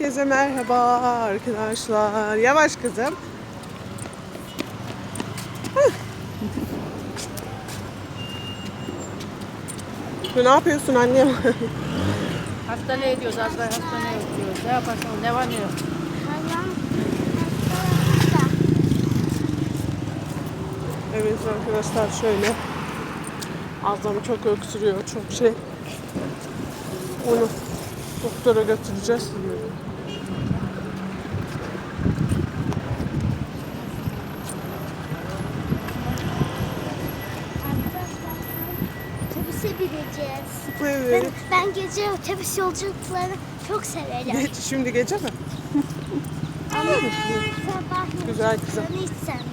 Herkese merhaba arkadaşlar. Yavaş kızım. Ne yapıyorsun annem? Hastaneye gidiyoruz, az daha hastaneye gidiyoruz. Ne yaparsın, ne var ne yok. Evet arkadaşlar şöyle. Azam çok öksürüyor, çok şey. Onu doktora götüreceğiz. Otobüse bineceğiz. Evet. Ben gece otobüs yolculuklarını çok severim. Şimdi gece mi? Ama sabah Güzel kızım. yolculuklarını hiç sevmem.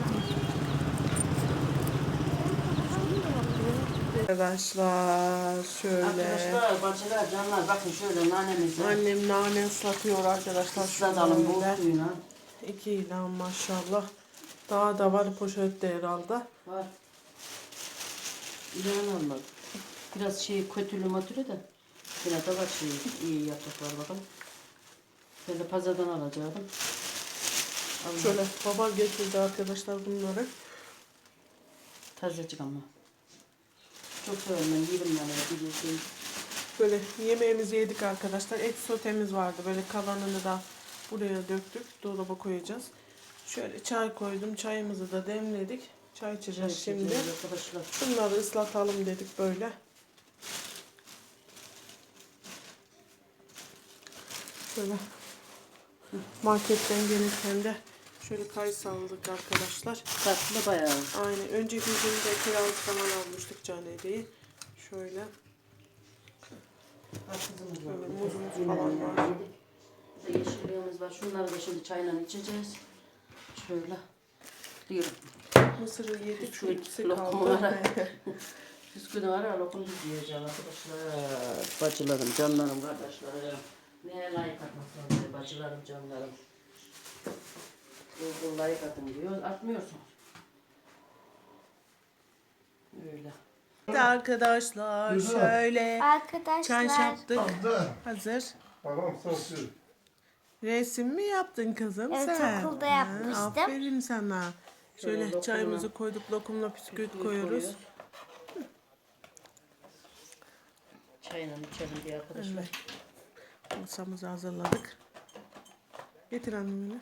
Arkadaşlar şöyle. Arkadaşlar, bacılar, canlar bakın şöyle nanemizi. Annem nane ıslatıyor arkadaşlar. Islatalım bol Şöyle. suyuna. 2 ilan maşallah. Daha da var poşette herhalde. Var. İlan olmadı. Biraz şey kötülü matürü de. Biraz da var şey iyi yapacaklar bakalım. Ben de pazardan alacaktım. Şöyle baba getirdi arkadaşlar bunları. Tazecik ama. Çok severim ben yerim yani biliyorsun. Böyle yemeğimizi yedik arkadaşlar. Et sotemiz vardı. Böyle kalanını da buraya döktük. Dolaba koyacağız. Şöyle çay koydum. Çayımızı da demledik. Çay içeceğiz şimdi. Arkadaşlar. Şunları ıslatalım dedik böyle. Şöyle marketten gelirken de şöyle kayısı aldık arkadaşlar. Tatlı bayağı. Aynen. Önceki günde kiralık falan almıştık canedeyi. Şöyle. Böyle muzumuz falan var. Burada yeşilliğimiz var. Şunları da şimdi çayla içeceğiz. Şöyle. Diyorum. Mısırı yedik. Şu ikisi lokumu kaldı. var. Bisküvi var ya lokum yiyeceğim arkadaşlar. Bacılarım, canlarım, kardeşlerim. Neye layık atmak lazım bacılarım, canlarım. Google layık atın diyor. Atmıyorsunuz. Öyle. Evet arkadaşlar şöyle çay Arkadaşlar yaptık. Hazır. Tamam sensin. Resim mi yaptın kızım Evet, sen? okulda Ha, yapmıştım. aferin sana. Şöyle Şöyle çayımızı lokumla- koyduk, lokumla bisküvit Bisküvi koyuyoruz. Çayla içelim diye arkadaşlar. Masamızı hazırladık. Getir annemi.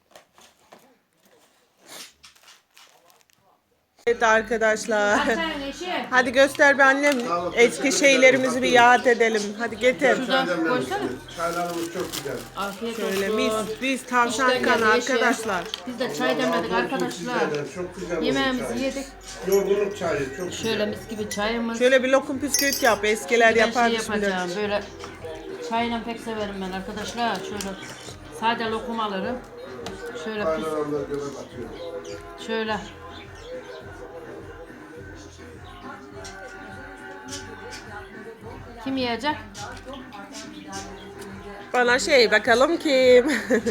Evet arkadaşlar. Hadi göster bir annem. Eski şeylerimizi bir yad edelim. Hadi getir. Şuradan koysana. Çaylarımız çok güzel. Afiyet Şöyle olsun. biz tavşan İşten kanı geldi eşi. arkadaşlar. Biz de çay demledik arkadaşlar. Çok güzel olmuş Yemeğimizi çay. yedik. Yorgunluk çayı çok güzel. Şöyle mis gibi çayımız. Şöyle bir lokum bisküvit yap. Eskiler Ben yapar şey şimdi. yapacağım böyle çayla pek severim ben arkadaşlar. Şöyle sade lokum alırım. Şöyle Çaylarımda göre batıyor. şöyle. Kim yiyecek? Bana şey bakalım kim?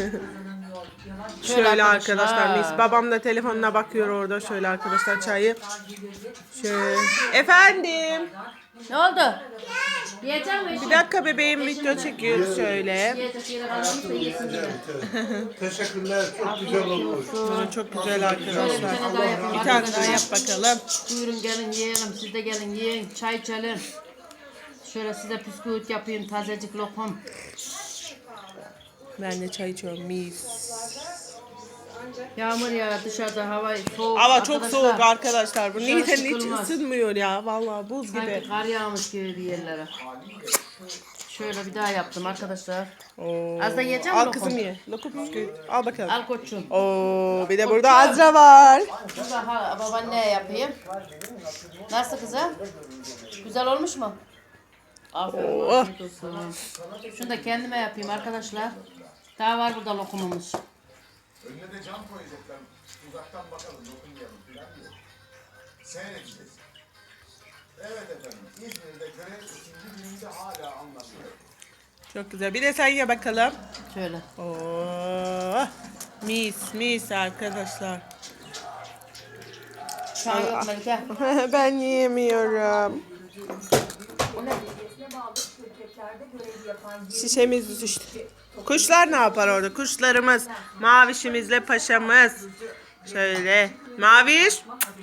Şöyle arkadaşlar. arkadaşlar mis. Babam da telefonuna bakıyor orada. Şöyle arkadaşlar çayı. Şöyle. Efendim. Ne oldu? Yiyecek mi? Bir dakika bebeğim video çekiyor şöyle. Yiyecek yere kalmışsa yesin diye. Teşekkürler. Çok güzel olmuş. Bunu çok güzel Şöyle bir arkadaşlar. tane daha yapayım Bir tane daha arkadaşlar. yap bakalım. Buyurun gelin yiyelim. Siz de gelin yiyin. Çay içelim. Şöyle size bisküvit yapayım. Tazecik lokum. Ben de çay içiyorum mis. Yağmur ya dışarıda hava soğuk. Hava çok arkadaşlar. soğuk arkadaşlar. Bu Dışarı neden hiç çıkılmaz. ısınmıyor ya. Vallahi buz gibi. Sanki kar yağmış gibi bir yerlere. Şöyle bir daha yaptım arkadaşlar. Oo. Az da yiyeceğim Al lokum. kızım ye. Lokum bisküvit. Al bakalım. Al koçum. Oo, bir de burada Azra var. Burada babaanneye yapayım. Nasıl kızım? Güzel olmuş mu? Aferin. Oh. afiyet olsun. Şunu da kendime yapayım arkadaşlar. Daha var burada lokumumuz. Önüne de cam koyacaklar. Uzaktan bakalım, dokunmayalım falan diye. Seyredeceğiz. Evet efendim, İzmir'de görev ikinci gününde hala anlamıyor. Çok güzel. Bir de sen ye bakalım. Şöyle. Oo, mis arkadaşlar. Çay yok Melike. Ben yiyemiyorum. Şişemiz düştü. Kuşlar ne yapar orada? Kuşlarımız. Mavişimizle paşamız. Şöyle. Maviş.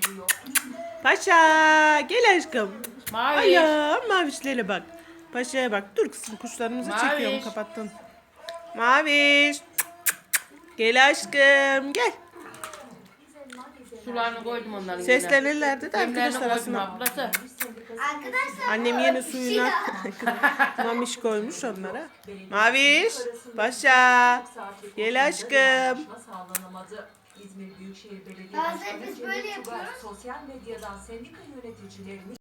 Paşa. Gel aşkım. Maviş. Ayağım mavişlere bak. Paşa'ya bak. Dur kızım kuşlarımızı Maviş. çekiyorum kapattım. Maviş. Gel aşkım gel. Sularını koydum onların. Seslenirlerdi de Demlerini arkadaşlar koydum aslında. ablası. Arkadaşlar Annem yeni suyuna mamiş koymuş onlara. Maviş. Paşa. Gel aşkım. Sağlanamadı. İzmir Büyükşehir Belediye Bazen Başkanı biz Cemil böyle Tugay, yapıyoruz. sosyal medyadan sendika yöneticilerini